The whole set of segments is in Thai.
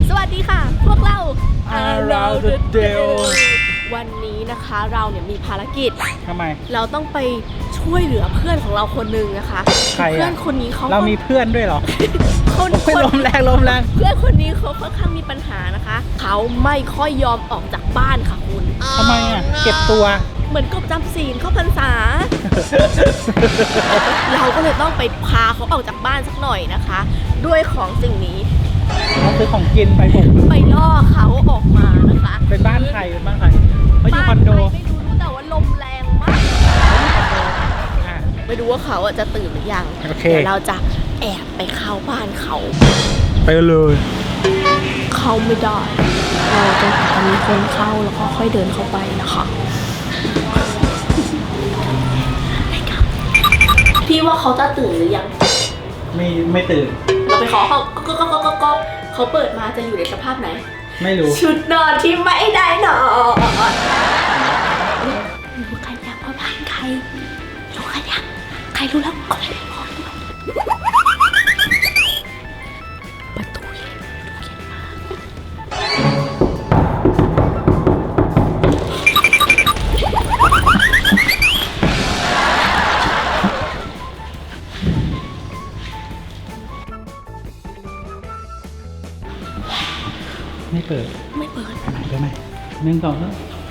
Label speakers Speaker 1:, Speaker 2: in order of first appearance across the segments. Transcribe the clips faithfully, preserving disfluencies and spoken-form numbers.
Speaker 1: สวัสดีค่ะพวกเรา
Speaker 2: Around the Dale
Speaker 1: วันนี้นะคะเราเนี่ยมีภารกิจ
Speaker 2: ทำไม
Speaker 1: เราต้องไปช่วยเหลือเพื่อนของเราคนหนึ่งนะคะ
Speaker 2: ใครอะ
Speaker 1: เพื่อนคนนี้เขา
Speaker 2: เรามีเพื่อนด้วยเหรอ
Speaker 1: คน
Speaker 2: ไม่ลมแรงลมแรง
Speaker 1: เพื่อนคนนี้เขาค่อนข้างมีปัญหานะคะเขาไม่ค่อยยอมออกจากบ้านค่ะคุณ
Speaker 2: ทำไมอ่ะเก็บตัว
Speaker 1: เหมือนกบจำศีลเข้าพรรษา เราก็เลยต้องไปพาเขาออกจากบ้านสักหน่อยนะคะ ด้วยของสิ่งนี้
Speaker 2: เราซื้อของกินไปบุก
Speaker 1: ไปล่อเขาออกมานะคะ
Speaker 2: เป็นบ้านใครเป็นบ้านใครเขาอยู่คอนโด
Speaker 1: บ้านใครไม่รู้รู้แต่ว่าลมแรงมาก
Speaker 2: อ่ะ
Speaker 1: ไม่รู้ว่าเขาอะจะตื่นหรือยัง
Speaker 2: โอเค
Speaker 1: เดี๋ยวเราจะแอบไปเข้าบ้านเขา
Speaker 2: ไปเลย
Speaker 1: เข้าไม่ได้ เราจะหามีคนเข้าแล้วก็ค่อยเดินเข้าไปนะคะพี่ว่าเขาจะตื่นหรือยัง
Speaker 2: ไม่ไม่ตื่น
Speaker 1: เราไปขอเขาก็ก็ก็ก็ก็เขาเปิดมาจะอยู่ในสภาพไหน
Speaker 2: ไม่รู้
Speaker 1: ชุดนอนที่ไม่ได้นอนรู้ใครอยากมาบ้านใครรู้ใครอยากใครรู้แล้วก็ไม่ได้บอกประตูเย็นประตูเย็นมาก
Speaker 2: ไม่เปิด
Speaker 1: ไม่เปิด
Speaker 2: ไปไหนไปไหนหนึ่งสองสาม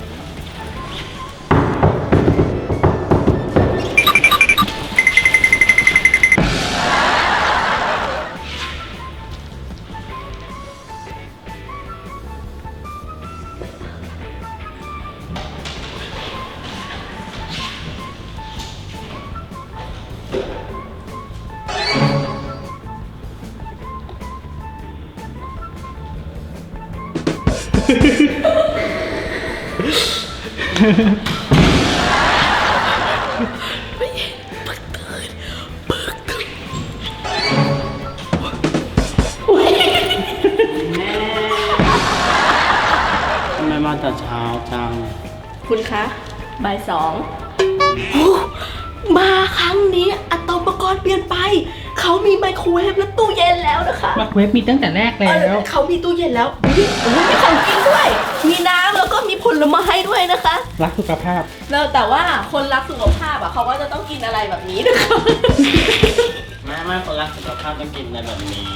Speaker 3: ทำไมมาแต่เช้าจัง
Speaker 1: คุณคะบ่ายสองมาครั้งนี้อะตอมอุปกรณ์เปลี่ยนไป เขามีไมโครเวฟและตู้เย็นแล้วนะคะ
Speaker 2: มาเว็บมีตั้งแต่แรกแล้
Speaker 1: เอ
Speaker 2: ว
Speaker 1: อเขามีตู้เย็นแล้วอุ๊ยโอ้โหมีของกินด้วย มีน้ำแล้วก็มีผลไม้ด้วยนะคะ
Speaker 2: รักสุขภาพ
Speaker 1: แล้วแต่ว่าคนรักสุขภาพอ่ะเขาก็จะต้องกินอะไรแบบนี้นะคะ
Speaker 3: แม่ไม่คนรักสุขภาพต้องกินในแบบนี้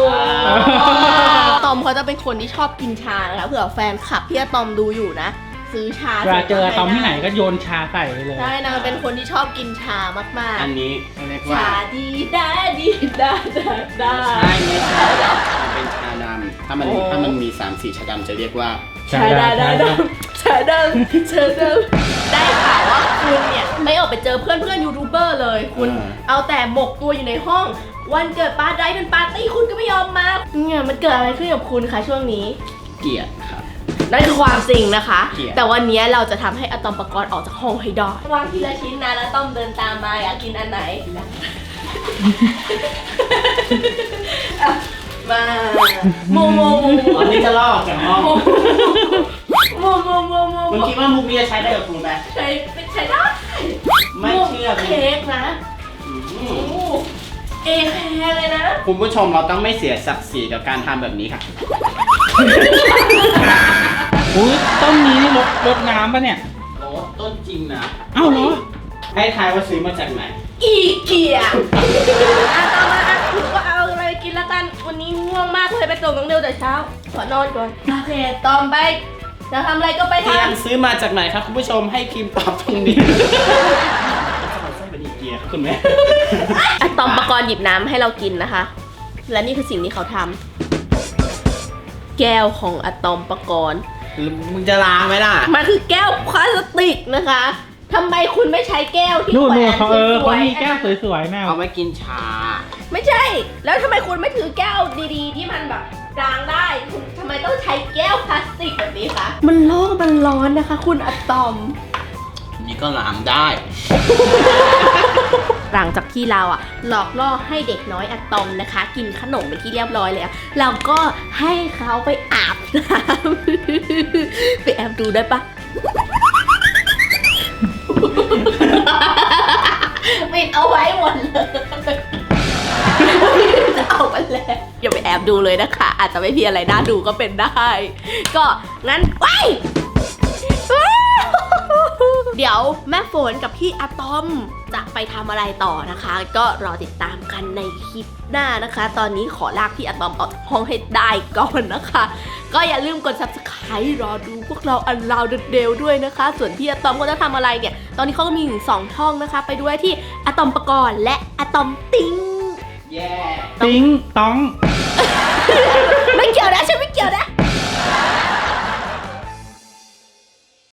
Speaker 1: ตอมเขาจะเป็นคนที่ชอบกินชานะคะเผื่อแฟนคลับพี่อะตอมดูอยู่นะ ซื้อชา
Speaker 2: เวลาเจอตอมที่ไหนก็โยนชาใส่ไปเลย
Speaker 1: ใช่นางเป็นคนที่ชอบกินชามาก
Speaker 3: อันนี้เขาเรียก
Speaker 1: ๆ
Speaker 3: ว่า
Speaker 1: ชาดีได้ดีได้ได้ได้
Speaker 3: ใช่ไม่ใช่มันเป็นชาดำถ้ามัน
Speaker 1: โอ้
Speaker 3: ถ้ามันมีสามสีชาดำจะเรียกว่า
Speaker 1: ชาได้ได้ได้ชาดำชาดำได้ข่าวว่าคุณเนี่ยไม่ออกไปเจอเพื่อนเพื่อนยูทูบเบอร์เลย คุณเอาแต่หมกตัวอยู่ในห้อง วันเกิดปาร์ตี้เป็นปาร์ตี้คุณก็ไม่ยอมมาเนี่ยมันเกิดอะไรขึ้นกับคุณคะช่วงนี้
Speaker 3: เกลียดครับ
Speaker 1: นั่นคือความจริงนะคะ
Speaker 3: เกลียด
Speaker 1: แต่วันนี้เราจะทำให้อะตอมปกรณ์ออกจากห้องให้ได้วางทีละชิ้นนะแล้วต้อมเดินตามมาอยากกินอันไหนอ่ะมาโมโมโม
Speaker 3: ตอนนี้จะลอกจากห้อง
Speaker 1: โมโมโมโม
Speaker 3: มึงคิดว่ามุกนี้จะใช้ได้กับคุณไหม
Speaker 1: ใช้ใช้ได้
Speaker 3: ไม่เชื่อ
Speaker 1: เค้กนะ
Speaker 3: อืม
Speaker 1: โอ้เอแคร์เลยนะ
Speaker 3: คุณผู้ชมเราต้องไม่เสียศักดิ์ศรีกับการทำแบบนี้ค่ะ
Speaker 2: อุ้ยต้นนี้นี่รดรดน้ำปะเนี่ย
Speaker 3: โอ้ต้นจริงนะ
Speaker 2: เอ้าเหรอ
Speaker 3: ให้ทายว่าซื้อมาจากไหน
Speaker 1: อีเกียอ่ะต่อมาอ่ะถือว่าเอาอะไรกินแล้วกันวันนี้ง่วงมากเลยไปส่งน้องเดียวแต่เช้าขอนอนก่อนโอเคตอมไปจะทำอะไรก็ไป
Speaker 3: เตรียม
Speaker 1: ทำ
Speaker 3: ซื้อมาจากไหนครับคุณผู้ชมให้พิมพ์ตอบตรงนี้ จะมาใส่เป็นอีเกียคุณแม่
Speaker 1: อะตอมปกรณ์หยิบน้ำให้เรากินนะคะ และนี่คือสิ่งที่เขาทำแก้วของอะตอมปกรณ์
Speaker 3: มึงจะล้างไหมล่ะ
Speaker 1: มันคือแก้วพลาสติกนะคะทำไมคุณไม่ใช้แก้วที่
Speaker 2: นู่น
Speaker 1: แขว
Speaker 2: นู่น
Speaker 1: น
Speaker 2: เขาเออ
Speaker 1: ส
Speaker 2: เขา
Speaker 1: วย
Speaker 2: มี
Speaker 1: ๆ
Speaker 2: แก้วสวยๆแม่
Speaker 3: เอาไว้กินชา
Speaker 1: ไม่ใช่ แล้วทำไมคุณไม่ถือแก้วดีๆ ที่มันแบบกลางได้คุณทำไมต้องใช้แก้วพลาสติกแบบนี้คะมันโลกมันร้อนนะคะ คุณอะตอม
Speaker 3: นี่ก็ล้างได้
Speaker 1: หลังจากที่เราอ่ะหลอกล่อให้เด็กน้อยอะตอมนะคะ กินขนมเป็นที่เรียบร้อยแล้วเราก็ให้เขาไปอาบน้ำ ไปแอบดูได้ปะ ปิดเอาไว้หมดเลยจะเอาอะไรแหละอย่าไปแอบดูเลยนะคะ อาจจะไม่มีอะไรน่าดูก็เป็นได้ ก็งั้นไป เดี๋ยวแม่ฝนกับพี่อะตอมจะไปทำอะไรต่อนะคะ ก็รอติดตามกันในคลิปหน้านะคะ ตอนนี้ขอลากพี่อะตอมออกจากห้องให้ได้ก่อนนะคะ ก็อย่าลืมกด ซับสไครบ์ รอดูพวกเราอันลาวเดลด้วยนะคะ ส่วนพี่อะตอมก็จะทำอะไรเนี่ย ตอนนี้เขาก็มีถึงสองช่องนะคะ ไปดูได้ที่อะตอมปกรณ์และอะตอมติ้ง
Speaker 3: แย่
Speaker 2: ติ้งต้อง
Speaker 1: ไม่เกี่ยวนะฉันไม่เกี่ยวนะ